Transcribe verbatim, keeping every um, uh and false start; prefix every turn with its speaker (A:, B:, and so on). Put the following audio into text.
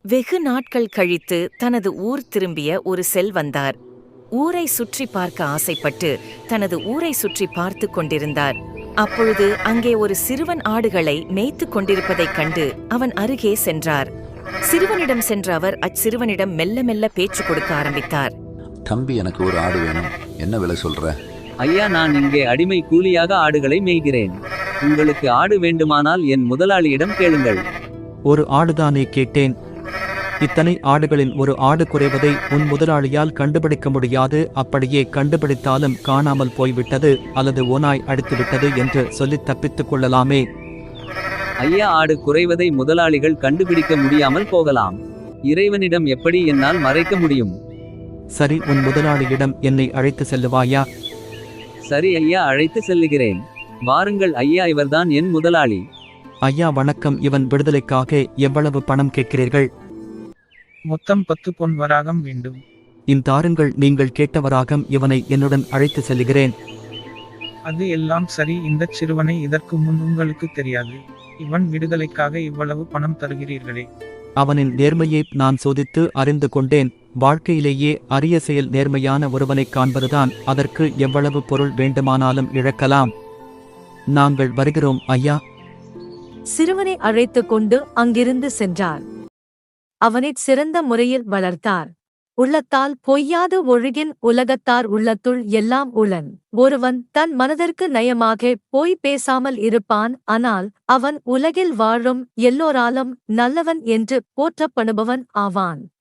A: வெகு நாட்கள் கழித்து தனது ஊர் திரும்பிய ஒரு செல்வந்தார் ஊரை சுற்றி பார்க்க ஆசைப்பட்டு தனது ஊரை சுற்றி பார்த்து கொண்டிருந்தார். அப்பொழுது அங்கே ஒரு சிறுவன் ஆடுகளை மேய்த்துக் கொண்டிருப்பதைக் கண்டு அவன் அருகே சென்றார். சிறுவனிடம் சென்ற அவர் அச்சிறுவனிடம் மெல்ல மெல்ல பேச்சு கொடுக்க ஆரம்பித்தார்.
B: தம்பி, எனக்கு ஒரு ஆடு வேணும். என்ன விலை சொல்ற?
C: ஐயா, நான் இங்கே அடிமை கூலியாக ஆடுகளை மேய்கிறேன். உங்களுக்கு ஆடு வேண்டுமானால் என் முதலாளியிடம் கேளுங்கள்.
D: ஒரு ஆடுதானே கேட்டேன். இத்தனை ஆடுகளில் ஒரு ஆடு குறைவதை உன் முதலாளியால் கண்டுபிடிக்க முடியாது. அப்படியே கண்டுபிடித்தாலும் காணாமல் போய்விட்டது அல்லது ஓனாய் அடித்துவிட்டது என்று சொல்லி தப்பித்துக் கொள்ளலாமே.
C: ஐயா, ஆடு குறைவதை முதலாளிகள் கண்டுபிடிக்க முடியாமல் போகலாம். இறைவனிடம் எப்படி என்னால் மறைக்க முடியும்?
D: சரி, உன் முதலாளியிடம் என்னை அழைத்து செல்லுவாயா?
C: சரி ஐயா, அழைத்து செல்லுகிறேன். வாருங்கள் ஐயா, இவர்தான் என் முதலாளி.
D: ஐயா வணக்கம். இவன் விடுதலைக்காக எவ்வளவு பணம் கேட்கிறீர்கள்?
E: மொத்தம் பத்து பொன் வராகம் வேண்டும்.
D: இந்தாருங்கள், நீங்கள் கேட்ட வராகம். இவனை என்னுடன் அழைத்து செல்லுகிறேன்.
E: அது எல்லாம் சரி. இந்த சிறுவனை இதற்கு முன் உங்களுக்கு தெரியாது. இவன் விடுதலைக்காக இவ்வளவு பணம் தருகிறீர்களே.
D: அவனின் நேர்மையை நான் சோதித்து அறிந்து கொண்டேன். வாழ்க்கையிலேயே அரிய செயல் நேர்மையான ஒருவனை காண்பதுதான். அதற்கு எவ்வளவு பொருள் வேண்டுமானாலும் இழக்கலாம். நாங்கள் வருகிறோம் ஐயா.
F: சிறுவனை அழைத்து கொண்டு அங்கிருந்து சென்றார். அவனைச் சிறந்த முறையில் வளர்த்தார். உள்ளத்தால் பொய்யாது ஒழுகின் உலகத்தார் உள்ளத்துள் எல்லாம் உளன். ஒருவன் தன் மனதிற்கு நயமாக பொய் பேசாமல் இருப்பான். ஆனால் அவன் உலகில் வாழும் எல்லோராலும் நல்லவன் என்று போற்றப்படுபவன் ஆவான்.